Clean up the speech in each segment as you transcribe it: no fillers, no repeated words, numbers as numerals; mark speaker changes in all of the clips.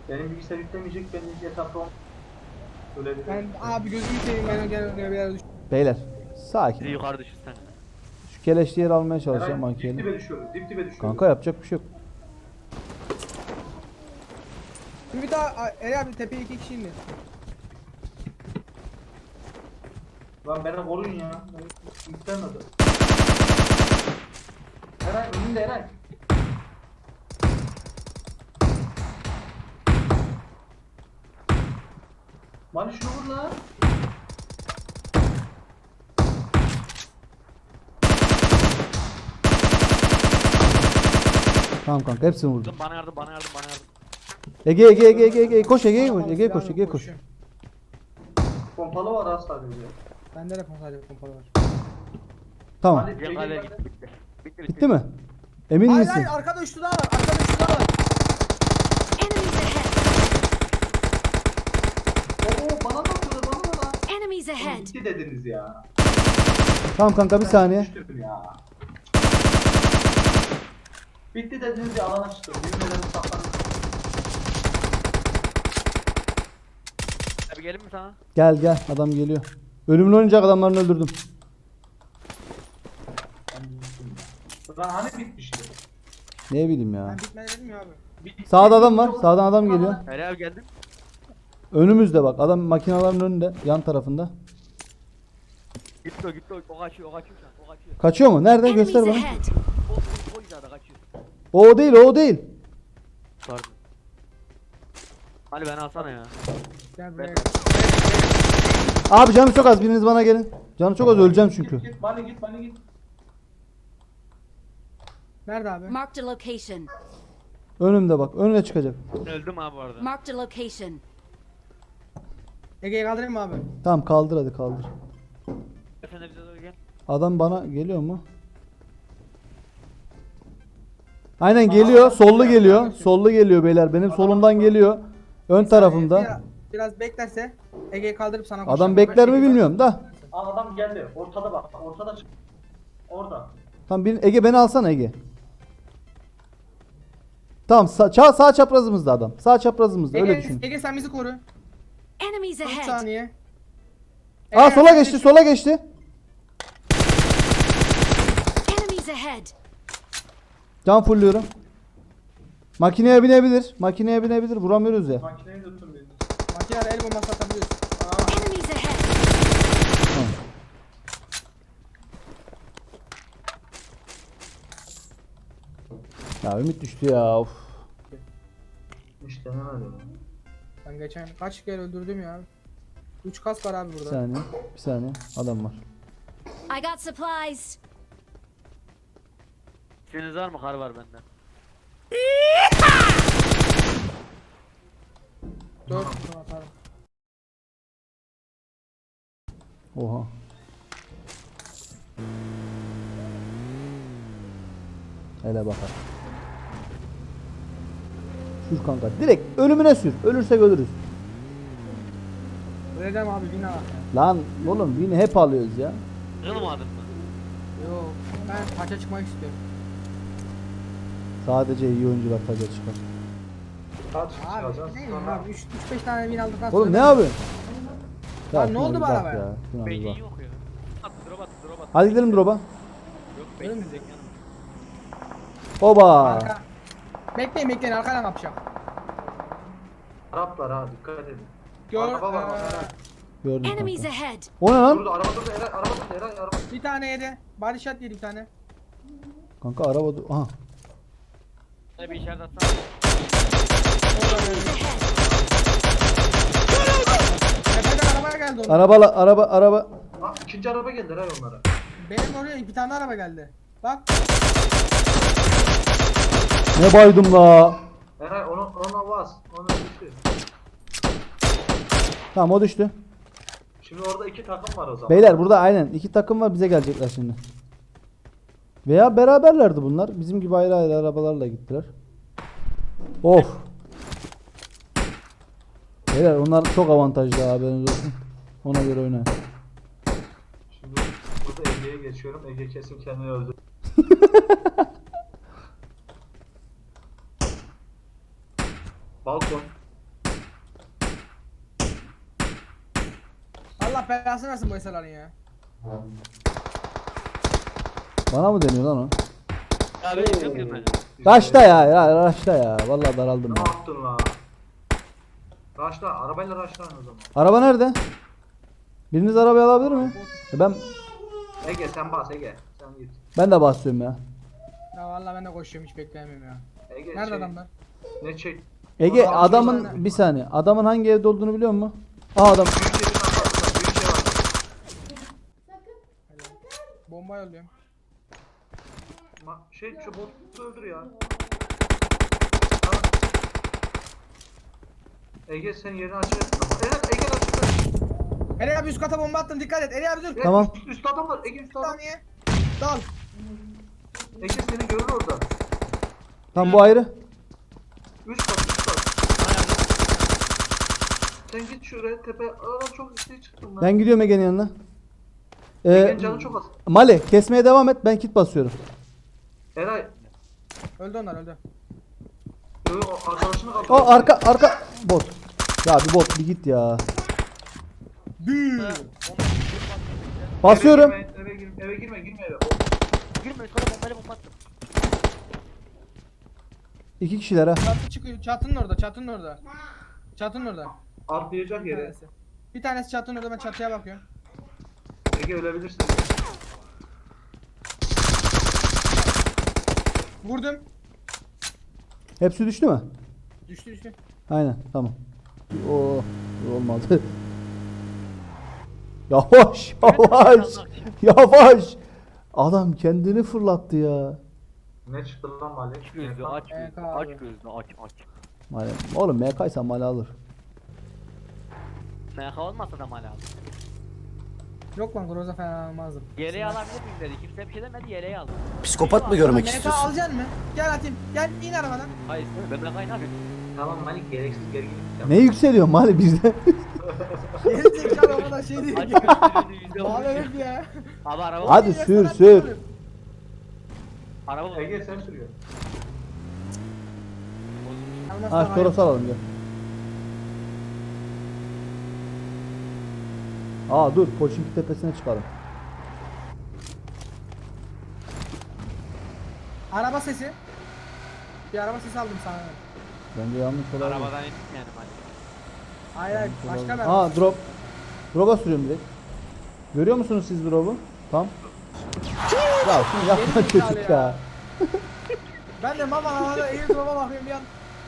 Speaker 1: Benim bilgisayar yüklemeyecek, ben ilk etapta öyle bir...
Speaker 2: Ben abi gözümü seveyim, ben gel oraya bir yere düş.
Speaker 3: Beyler sakin.
Speaker 4: Bizi yukarı düşürsen.
Speaker 3: Şu keleşli yeri almaya çalışacağım
Speaker 1: Herhalde dip
Speaker 3: makineyle.
Speaker 1: dibe düşüyoruz, dip dibe düşüyoruz.
Speaker 3: Kanka yapacak bir şey yok.
Speaker 2: Bir daha Eri abi tepeye 2 kişi indi.
Speaker 1: Lan beni koruyun ya. Ben yüklenmedim. Eray önünde Eray. Mani şunu vur lan.
Speaker 3: Tamam kanka hepsini vurdum.
Speaker 4: Bana yardım, bana yardım, bana yardım.
Speaker 3: Ege koş Ege'ye koş. Ege'ye koş.
Speaker 2: Silahla
Speaker 3: Ege'ye koş.
Speaker 2: koşuyorum.
Speaker 1: Pompalı var az sadece.
Speaker 2: Bende de sadece pompalı var.
Speaker 3: Tamam.
Speaker 1: Mani,
Speaker 4: Gel
Speaker 1: Ege,
Speaker 4: kaleye
Speaker 1: ben-
Speaker 4: git, bitti. Bitti,
Speaker 3: Bitti mi? Emin
Speaker 2: Hayır
Speaker 3: misin?
Speaker 2: hayır, arkada üçlü daha var. Arkada üçlü daha var.
Speaker 5: Enemies ahead!
Speaker 1: Oo bana da atıyorlar, bana da lan.
Speaker 5: Enemies
Speaker 1: Oğlum
Speaker 5: ahead!
Speaker 1: bitti dediniz ya.
Speaker 3: Tamam kanka bir saniye.
Speaker 1: Düştüm ya. Bitti dediniz ya, alana çıktım. Yemin ederim saklandım.
Speaker 4: Abi gelin mi sana?
Speaker 3: Gel adam geliyor. Ölümlü oynayacak adamlarını öldürdüm.
Speaker 1: Ben düştüm ya. Lan hani bitmişti?
Speaker 3: Ne bileyim ya.
Speaker 2: Ben bitmedi dedim ya abi.
Speaker 3: Sağda adam var. Sağdan adam geliyor.
Speaker 4: Eri abi geldin.
Speaker 3: Önümüzde bak. Adam makinaların önünde. Yan tarafında.
Speaker 4: Gitti o, gitti o. O kaçıyor, o kaçıyor şu an, o kaçıyor.
Speaker 3: Kaçıyor mu? Nerede?
Speaker 5: Enemies
Speaker 3: Göster bana.
Speaker 5: ahead!
Speaker 4: O hizada kaçıyor.
Speaker 3: O değil o değil.
Speaker 4: Pardon. Ali beni alsana ya.
Speaker 2: Gel buraya
Speaker 4: Ben-
Speaker 2: gel.
Speaker 3: Abi canı çok az. Biriniz bana gelin. Canı çok az öleceğim çünkü.
Speaker 1: Git Mani git, Mani git.
Speaker 2: Nerede abi?
Speaker 5: Marked a location.
Speaker 3: Önümde bak. Önüne çıkacak.
Speaker 4: Öldüm abi bu arada.
Speaker 5: Marked a location.
Speaker 2: Ege'yi kaldırayım mı abi?
Speaker 3: Tamam kaldır hadi kaldır.
Speaker 4: Sen de bize doğru gel.
Speaker 3: Adam bana geliyor mu? Aynen geliyor. Sollu geliyor. Sollu geliyor beyler. Benim solumdan geliyor. Ön tarafımda.
Speaker 2: Biraz beklerse Ege'yi kaldırıp sana koşacağım.
Speaker 3: Adam bekler mi bilmiyorum da.
Speaker 1: Aa, adam geldi. Ortada bak. Ortada çık. Orada.
Speaker 3: Tamam Ege beni alsana Ege. Tamam sağ çaprazımızda adam. Sağ çaprazımızda öyle düşün.
Speaker 2: Ege sen bizi koru.
Speaker 5: Enemies
Speaker 2: 3
Speaker 5: ahead!
Speaker 2: saniye.
Speaker 3: Aa
Speaker 2: Ege,
Speaker 3: sola
Speaker 2: sen
Speaker 3: geçti
Speaker 2: düş-
Speaker 3: sola geçti.
Speaker 5: Enemies ahead!
Speaker 3: Can fulluyorum. Makineye binebilir. Makineye binebilir. Vuramıyoruz ya.
Speaker 1: Makineyi tuttum biz.
Speaker 2: Makineyle el bombası atabiliyoruz.
Speaker 5: Enemies ahead!
Speaker 3: Tamam. Ya ümit düştü ya. Of.
Speaker 1: İşte ne var ya.
Speaker 2: Ben geçen kaç kere öldürdüm ya. 3 kas var abi
Speaker 3: Bir
Speaker 2: burada.
Speaker 3: saniye. Bir saniye. Adam var.
Speaker 5: I got supplies!
Speaker 4: İşiniz var mı? Kar var bende.
Speaker 2: 4 atarım.
Speaker 3: Oha. Hele bakar. Sür kanka. Direkt ölümüne sür. Ölürsek ölürüz.
Speaker 2: Öleceğim abi bina var.
Speaker 3: Lan oğlum yine hep alıyoruz ya.
Speaker 4: Kırılmadın mı?
Speaker 2: Yok ben taça çıkmak istiyorum.
Speaker 3: Sadece iyi oyuncular taca çıkar.
Speaker 1: Kaç
Speaker 2: Abi
Speaker 1: çıkacağız?
Speaker 2: ne bileyim abi 3-5 tane bin aldıktan sonra.
Speaker 3: Oğlum ne yapıyorsun?
Speaker 2: Lan ne
Speaker 3: şuna
Speaker 2: oldu
Speaker 3: bir
Speaker 2: bana
Speaker 3: bak
Speaker 2: be?
Speaker 3: ya, şuna bir
Speaker 4: Beynin
Speaker 3: bak.
Speaker 4: yok ya. Attı, drop attı, drop attı.
Speaker 3: Hadi gidelim drop'a.
Speaker 4: Yok,
Speaker 2: Öyle mi?
Speaker 4: bekleyecek yanım.
Speaker 3: Oba.
Speaker 2: Arka. Bekleyin arkadan kapacağım.
Speaker 1: Araplar ha, dikkat edin.
Speaker 2: Gör.
Speaker 1: Araba var bak Eray.
Speaker 3: Gördüm
Speaker 5: Enemies
Speaker 3: kanka.
Speaker 5: ahead!
Speaker 3: O ne lan?
Speaker 1: Durdu, araba durdu Eray, araba durdu Eray, araba.
Speaker 2: Bir tane yedi. Body shot yedi bir tane.
Speaker 3: Kanka araba aha.
Speaker 4: Hadi bir işaret atsana.
Speaker 5: Enemies ahead!
Speaker 2: Tepeden arabaya geldi onlar.
Speaker 3: Araba.
Speaker 1: Ha, ikinci araba geldi Eray onlara.
Speaker 2: Benim oraya bir tane araba geldi. Bak.
Speaker 3: Ne baydım la.
Speaker 1: Eray ona bas, ona düştü.
Speaker 3: Tamam o düştü.
Speaker 1: Şimdi orada iki takım var o zaman.
Speaker 3: Beyler burada aynen iki takım var bize gelecekler şimdi. Veya beraberlerdi bunlar. Bizim gibi ayrı ayrı arabalarla gittiler. Of. Beyler onlar çok avantajlı haberiniz olsun. Ona göre oynayın.
Speaker 1: Şimdi burada Ege'ye geçiyorum. Ege kesin kendini öldü. Balkon.
Speaker 2: Allah belasını versin bu eserlerin ya.
Speaker 3: Bana mı deniyor lan o?
Speaker 4: Ya ben yapıyorum ben.
Speaker 3: Raşta ya raşta ya. Vallahi daraldım
Speaker 1: Ne
Speaker 3: ya.
Speaker 1: yaptın la? Raşla, arabayla raşlayın o zaman.
Speaker 3: Araba nerede? Biriniz arabayı alabilir mi? Ben
Speaker 1: Ege sen bas Ege. Sen git.
Speaker 3: ben de basıyorum ya.
Speaker 2: Ya vallahi ben de koşuyorum hiç bekleyemiyorum ya.
Speaker 1: Ege
Speaker 2: Nerede
Speaker 1: şey,
Speaker 2: adamlar?
Speaker 1: Ne çek?
Speaker 3: Ege
Speaker 1: Adam
Speaker 3: adamın
Speaker 2: tane.
Speaker 3: bir saniye. Adamın hangi evde olduğunu biliyor musun? Aa adam.
Speaker 1: Büyük yerin arkasında büyük şey var.
Speaker 2: Bomba yolluyorum.
Speaker 1: Şey şu botu öldür ya. Tamam. Ege sen yerini açıyorsun. Evet Ege açtı.
Speaker 2: Eri abi üst kata bomba attım dikkat et. Eri abi dur.
Speaker 1: Evet,
Speaker 3: Tamam.
Speaker 1: Üst adam var. Ege üst adam.
Speaker 2: Saniye. Dal.
Speaker 1: Ege seni görür orada.
Speaker 3: Tam bu ayrı.
Speaker 1: Üst kat. Sen git şuraya tepe. Aradan çok yükseğe çıktım ben.
Speaker 3: Ben gidiyorum Ege'nin yanına.
Speaker 1: Ege'nin canı çok az.
Speaker 3: Mali kesmeye devam et. Ben kit basıyorum.
Speaker 1: Eray.
Speaker 2: Öldü onlar öldü.
Speaker 1: O arkadaşını kaldı.
Speaker 3: O arka bot. Ya bir bot bir git ya. Basıyorum.
Speaker 1: Eve girme eve.
Speaker 4: Girme üst kata bombayla bomba attım.
Speaker 3: 2 kişiler ha.
Speaker 2: Çatı çıkıyor. Çatının orada. Çatının orada. Çatının orada.
Speaker 1: Atlayacak
Speaker 2: Bir
Speaker 1: yere.
Speaker 2: tanesi. Bir tanesi çatının orada ben çatıya bakıyorum.
Speaker 1: Ege ölebilirsin.
Speaker 2: Vurdum.
Speaker 3: Hepsi düştü mü?
Speaker 2: Düştü düştü.
Speaker 3: Aynen tamam. Oo olmadı. Yavaş yavaş. Adam kendini fırlattı ya.
Speaker 1: Ne çıktı lan Mali?
Speaker 4: Aç gözlü aç gözlü
Speaker 2: Evet
Speaker 4: aç
Speaker 2: abi.
Speaker 4: gözlü aç.
Speaker 3: Mali. Oğlum MK'ysa Mali alır.
Speaker 4: MK olmasa da mal aldı.
Speaker 2: Yok lan Groza falan almazdım.
Speaker 4: Yeleği alabilir miyim dedi. Kimse bir şey demedi yeleği aldı.
Speaker 6: Psikopat mı görmek
Speaker 2: MK
Speaker 6: istiyorsun?
Speaker 2: alacaksın mı? Gel atayım. Gel in arabadan.
Speaker 4: Hayır ben MK'yı ne yapayım?
Speaker 1: Tamam Mali gereksiz gerginlik
Speaker 3: Ne yükseliyor Mali bizde?
Speaker 2: Geri zekalı o kadar şey değil.
Speaker 4: Aç gözlü yüzde
Speaker 2: Abi
Speaker 4: vurmuş.
Speaker 2: evet ya.
Speaker 4: Abi araba
Speaker 3: Hadi sür.
Speaker 4: Araba
Speaker 1: Ege sen sürüyor.
Speaker 3: Ha Toros alalım gel. Aa dur Koçinki tepesine çıkalım.
Speaker 2: Araba sesi. Bir araba sesi aldım sana.
Speaker 3: Bence yanlış olabilir.
Speaker 4: Arabadan indim yani mal.
Speaker 2: Hayır hayır başka bir araba.
Speaker 3: Aa drop. Drop'a sürüyorum direkt. Görüyor musunuz siz drop'u? Tam. Ya şunu yapma
Speaker 2: Geri zekalı
Speaker 3: çocuk
Speaker 2: ya.
Speaker 3: ya.
Speaker 2: Ben de mama havada eğil duruma bakıyorum bir an.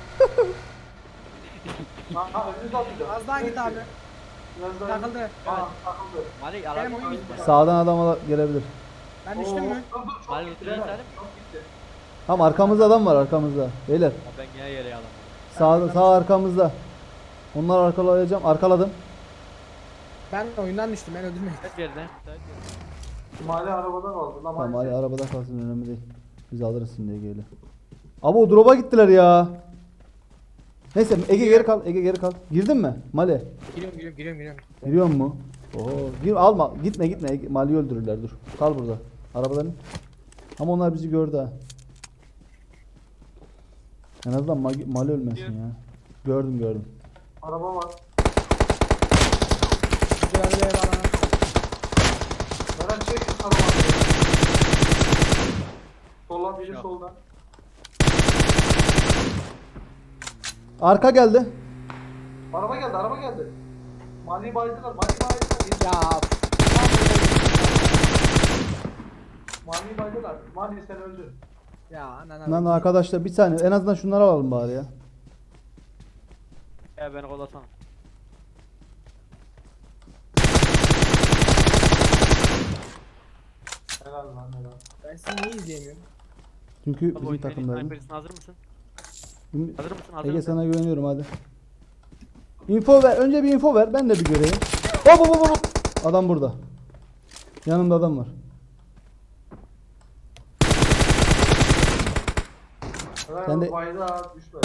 Speaker 1: Ha önünüzü atacağım.
Speaker 2: Az daha git abi.
Speaker 1: Biraz daha.
Speaker 2: Takıldı.
Speaker 1: Takıldı.
Speaker 4: Mali
Speaker 2: Benim
Speaker 4: araba
Speaker 2: oyun bitti.
Speaker 3: Sağdan adam gelebilir.
Speaker 2: Ben düştüm mü?
Speaker 4: Mali lütfen isterim.
Speaker 1: Çok gitti.
Speaker 3: Tam arkamızda adam var arkamızda. Beyler.
Speaker 4: Ben yine yeleği alamadım.
Speaker 3: Sağ arkamızda. Onları arkalayacağım. Arkaladım.
Speaker 2: Ben oyundan düştüm ben öldürmeyin.
Speaker 4: Hep yerine.
Speaker 1: Mali arabada kaldı. Lan
Speaker 3: Tamam
Speaker 1: Mali.
Speaker 3: hadi arabada kalsın önemli değil. Biz alırız şimdi Ege'yle. Abi o drop'a gittiler ya. Neyse Ege geri kal. Ege geri kal. Girdin mi? Mali.
Speaker 2: Giriyorum.
Speaker 3: Giriyor mu? Oo, gir alma. Gitme. Ege, Mali'yi öldürürler dur. Kal burada. Arabadan. Ama onlar bizi gördü ha. En azından Mali ölmesin ya. Gördüm.
Speaker 1: Araba var.
Speaker 2: Güzel bir ev alana.
Speaker 1: Eren çek şu arabayı. Soldan biri soldan.
Speaker 3: Arka geldi.
Speaker 1: Araba geldi. Mali'yi baydılar.
Speaker 2: Ya
Speaker 1: Mali'yi baydılar. Mali sen öldün.
Speaker 2: ya anana.
Speaker 3: Lan arkadaşlar bir saniye. En azından şunları alalım bari ya.
Speaker 4: Ya beni kollasana.
Speaker 1: Helal lan helal.
Speaker 2: Ben sizi niye izleyemiyorum?
Speaker 3: Çünkü
Speaker 4: Abi
Speaker 3: bizim
Speaker 4: oyun senin
Speaker 3: takımlarımız.
Speaker 4: sniper'sin, hazır mısın? Hazır mısın? Hazır
Speaker 3: Ege
Speaker 4: mısın?
Speaker 3: sana güveniyorum hadi. Info ver. Önce bir info ver. Ben de bir göreyim. Hop. Adam burada. Yanımda adam var.
Speaker 1: Helal
Speaker 3: Sen de-
Speaker 1: de... Baydı ha düşme.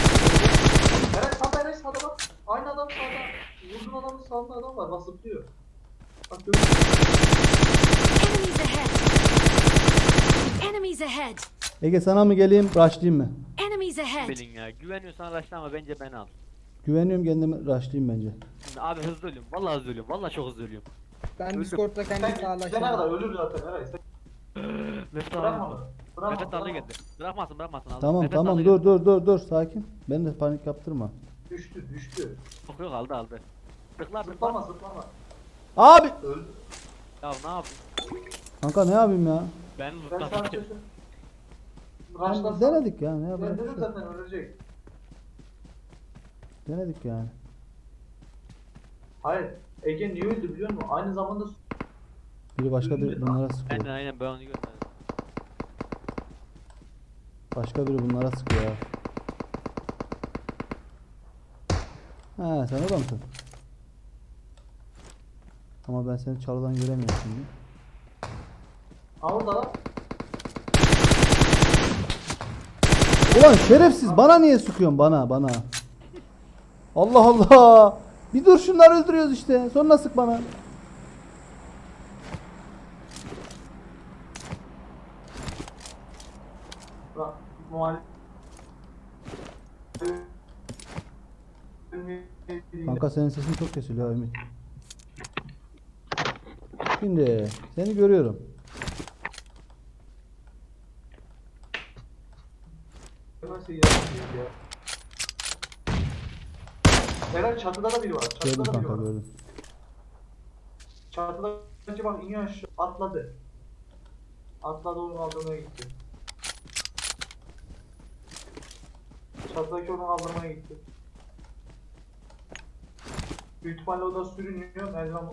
Speaker 1: Eren sağda bak. Aynı adam sağda. Vurdun adamın sağında adam var. Bak zıplıyor. Bak görüyor musun?
Speaker 5: Enemies ahead! Enemies ahead!
Speaker 3: Ege sana mı geleyim, rushlayayım mı?
Speaker 5: Enemies ahead!
Speaker 4: Bilin ya. Güveniyorsan araçla ama bence beni al.
Speaker 3: Güveniyorum kendime, rushlayayım bence.
Speaker 4: Abi hızlı ölüyorum. Vallahi hızlı ölüyorum. Vallahi çok hızlı ölüyorum.
Speaker 2: Ben
Speaker 4: Öldüm.
Speaker 2: Discord'da kendi
Speaker 1: Sen gidene kadar
Speaker 2: sağlaşıyorum.
Speaker 1: ölür zaten Eray. Sen
Speaker 4: Nefes
Speaker 1: bırakma
Speaker 4: aldı.
Speaker 1: onu. Bırakma.
Speaker 4: Nefes aldı
Speaker 1: bırakma.
Speaker 4: geldi. Bırakmasın bırakmasın. Aldı.
Speaker 3: Tamam
Speaker 4: Nefes
Speaker 3: tamam
Speaker 4: aldı
Speaker 3: dur
Speaker 4: geldi.
Speaker 3: dur sakin. Beni de panik yaptırma.
Speaker 1: Düştü düştü.
Speaker 4: Yok yok aldı aldı. Tıklar
Speaker 1: Zıplama
Speaker 4: tıklar.
Speaker 1: zıplama.
Speaker 3: Abi!
Speaker 1: Öldü.
Speaker 4: Ya ne yapayım?
Speaker 3: Kanka ne yapayım ya?
Speaker 4: Ben
Speaker 1: Ben sana
Speaker 4: zıpladım.
Speaker 1: sözüm.
Speaker 3: Yani
Speaker 1: Raşlasam.
Speaker 3: denedik ya, ne
Speaker 1: Ben
Speaker 3: yapalım?
Speaker 1: dedim zaten ölecek.
Speaker 3: Denedik yani.
Speaker 1: Hayır. Ege niye öldü biliyor musun? Aynı zamanda
Speaker 3: Biri başka bir bunlara sıkıyor.
Speaker 4: Aynen ben onu görmedim.
Speaker 3: Başka biri bunlara sıkıyor ya. He sen orada mısın? Ama ben seni çalıdan göremiyorum şimdi.
Speaker 1: Ha orada lan.
Speaker 3: Ulan şerefsiz bana niye sıkıyorsun bana? Allah Allah. Bir dur şunları öldürüyoruz işte. Sonra sık bana.
Speaker 1: Bak muhalif.
Speaker 3: Kanka senin sesin çok kesiliyor Ümit. Şimdi seni görüyorum.
Speaker 1: Nasıl ya? Eren çatıda da biri var.
Speaker 3: Gördüm
Speaker 1: Çatıda da biri
Speaker 3: kanka
Speaker 1: var.
Speaker 3: gördüm.
Speaker 1: Çatıda bak iniyor aşağı. Atladı. Atladı onu kaldırmaya gitti. Çatıdaki onu kaldırmaya gitti. Büyük ihtimalle o da sürünüyor. Merdiven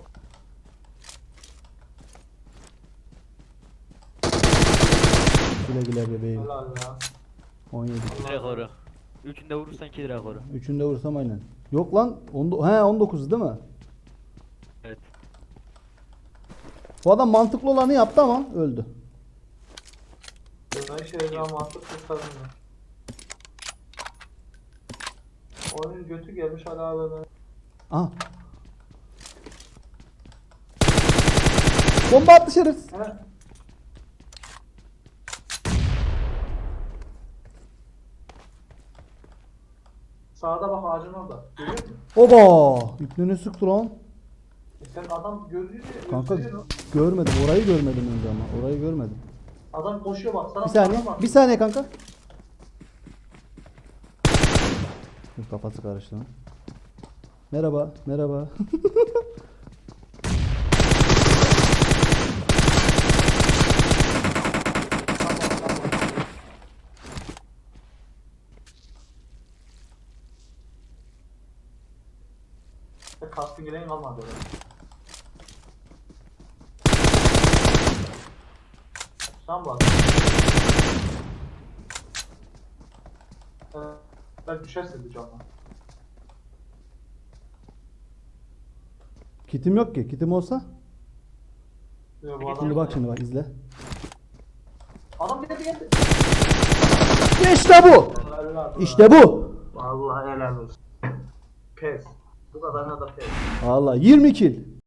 Speaker 3: Güle güle bebeğim.
Speaker 1: helal ya.
Speaker 3: 17.
Speaker 4: Rekoru. Üçünde vurursan 2 rekoru.
Speaker 3: Üçünde vursam aynen. Yok lan. 19 değil mi?
Speaker 4: Evet.
Speaker 3: Bu adam mantıklı olanı yaptı ama öldü.
Speaker 1: Ben şeyden mantık kurtardım ya. Onun götü gelmiş hala böyle.
Speaker 3: Aha. Bomba attı şerefsiz.
Speaker 1: He. Sağda bak ağacın orada. Görüyor musun?
Speaker 3: Oba! İpneni sıktı lan.
Speaker 1: Sen adam gördüğünü
Speaker 3: Kanka
Speaker 1: gösteriyor.
Speaker 3: görmedim. Orayı görmedim önce ama. Orayı görmedim.
Speaker 1: Adam koşuyor bak. Sana
Speaker 3: Bir saniye.
Speaker 1: bak.
Speaker 3: Bir saniye kanka. Dur, kafası karıştı lan. Merhaba. Merhaba.
Speaker 1: Kaskın gelen kalmadı öyle. Sen bak. Ben düşersin bir canla.
Speaker 3: Kitim yok ki. Kitim olsa.
Speaker 1: Bu adam
Speaker 3: Şimdi bak şimdi bak izle.
Speaker 1: Adam geldi.
Speaker 3: İşte bu. İşte bu.
Speaker 1: Vallahi helal olsun. Pes. Bu kadarına da pes.
Speaker 3: Allah 20 kill.